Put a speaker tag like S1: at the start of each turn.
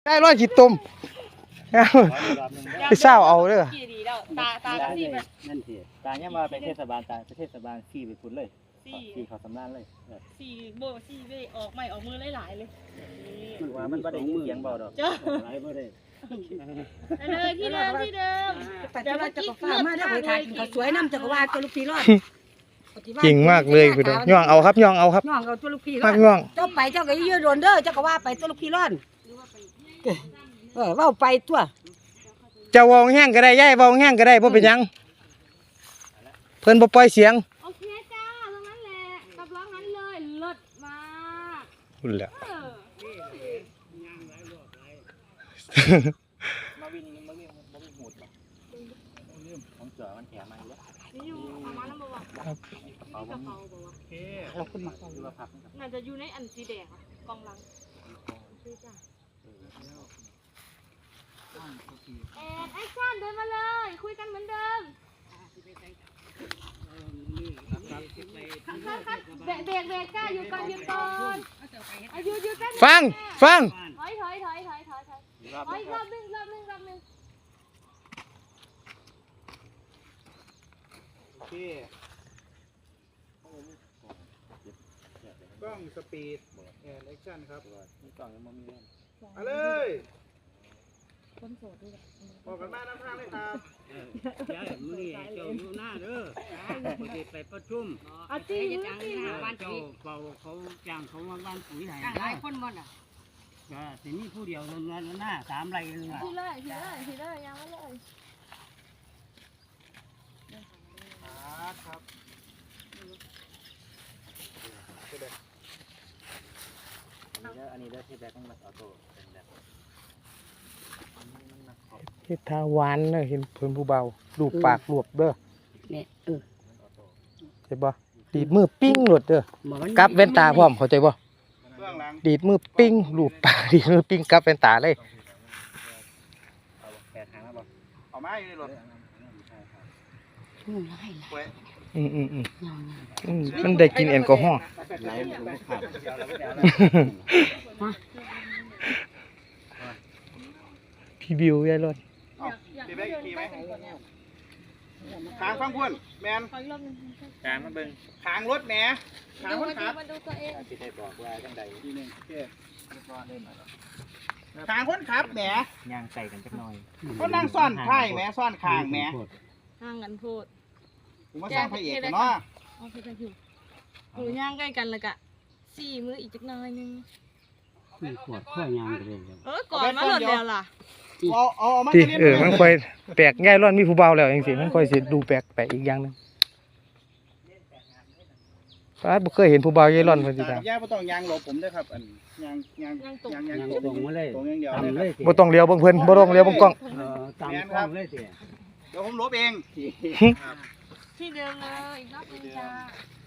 S1: ได้ร้อยขีดตุ่มไปเศร้าเอาเด้อ
S2: ตาที่แบบ
S3: นั่นสิตาเนี่ยมาไปเทศบาลตาเทศบาลขี่ไปพุ่นเลยขี่เขาสำนักเลย
S2: สี่โบสี่เว้ออกใหม่ออกมือหลายๆเลย
S3: ว่ามันบ่ได้เสียงเบาดอกหลายบ่ได้
S2: เลยที่เดิม
S4: แต่ว่าจะก็ฟ้ามาได้ถ่ายเขาสวยน้ำจักรวาลตัวลูกพี่รอด
S1: จริงมากเลยพี่น้องย่องเอาครับย่องเอาครับ
S4: ย่องเอาตัวลูกพี่รอด
S1: ย่อง
S4: เจ้าไปเจ้าก็ยืดโดนเด้อเจ้าก็ว่าไปตัวลูกพี่รอดว่าไปตัว
S1: จะวองแห้งก็ได้ย่ายวองแห้งก็ได้เพราะเป็นยังเพิ่นบ่ปล่อยเสียง
S2: โอเคจ้าตรงนั้นแหละกับร้องนั้นเลยเลิศมาก
S1: พุ่นแหละ
S3: มาวินหูดของเจอมันแถมมาแล้ว
S2: นี่อยู่เอามาแล้วบ่วะ
S1: ครับ
S2: กระเป๋าบ่วะ
S4: เราขึ้นมา
S3: ดูว่าพัก
S2: น่าจะอยู่ในอันสีแดงกองหลังจ้าแอคชั่นเดินมาเลยคุยกันเหมือนเดิมเบรกก้าอยู่ก่อนหยุดกัน
S1: ฟัง
S2: ถอยรอบนึง
S1: กล้องสปีดแอนแอคชั่นครับ
S3: มีกล่องยังบ่มี
S1: เอาเลย
S2: คนโสดด้วย
S1: ออกกันมาน้ำทางเลยครับ
S3: ยายมื้อนี้เจ้าอยู่หน้าเด้อบ่ได้ไปประชุม
S2: จริง
S3: เจ้าเขาจ้างเขามาบ้านปุ๋ยให้
S4: หลายคนบ่น่ะ
S3: ก็สิมีผู้เดียวเงินหน้า3ไร่นึงอ่ะ
S2: ทีเลยยังไม่เลย
S1: ครับ
S3: อันนี้ได้ที่แบกต้องมาออโต้เป็นแบบ
S1: เฮ็ดทาหวานเด้อเห็นเพิ่นผู้เบาลูบปากรวบเด้อ
S4: เนี่ย
S1: ใช่บ่ดีดมือปิ้งหลดเด้อกับแว่นตาพร้อมเข้าใจบ่ดีดมือปิ้งลูบปากดีดมือปิ้งกับแว่นตาเลย
S3: เอามาอยู่ในรถ
S1: มันได้กินแอลกอฮอล์พี่บิวยายรถ
S3: ขี่ไหมขางฟังพุ่นแมนขางมาเบิ่งขางรถแหมขางคนขับที่ได้บอกว่าจังใดทีนึงขางคนขับแหมย่างใส่กันจักหน่อยก็นั่งซ่อนไข่แหมซ่อนขางแหม
S2: ห่างกันพูด
S3: ผมมาสร้างพระเอกเนาะ
S2: โอเคกันอยู่ย่างใกล้กันเลยกะ4 มื้ออีกจักหน่อยนึง
S3: มีขวดข้อยางกันเลย
S2: ก่อนมาหลดแล้วล่ะ
S1: ที่มันค่อยแปลกง่ายร้อนมีผู้เบาแล้วจังซี่มันค่อยสิดูแปลกอีกอย่างนึงป้าบ่เคยเห็นผู้เบาใหญ่ร้อนเพิ่นสิถาม
S3: ย่าบ่ต้องยางหลบผมเด้อครับอันยางตรงมาเลยตรงอย่างเดียวเลย
S1: บ่ต้องเลี้ยวเบิ่งเพิ่นบ่ต้องเลี้ยวเบิ่งกล้อง
S3: ตามกล้องเลยสิเดี๋ยวผมลบเอง
S2: ที่เดิมเลยอีกรอบนึงจ้า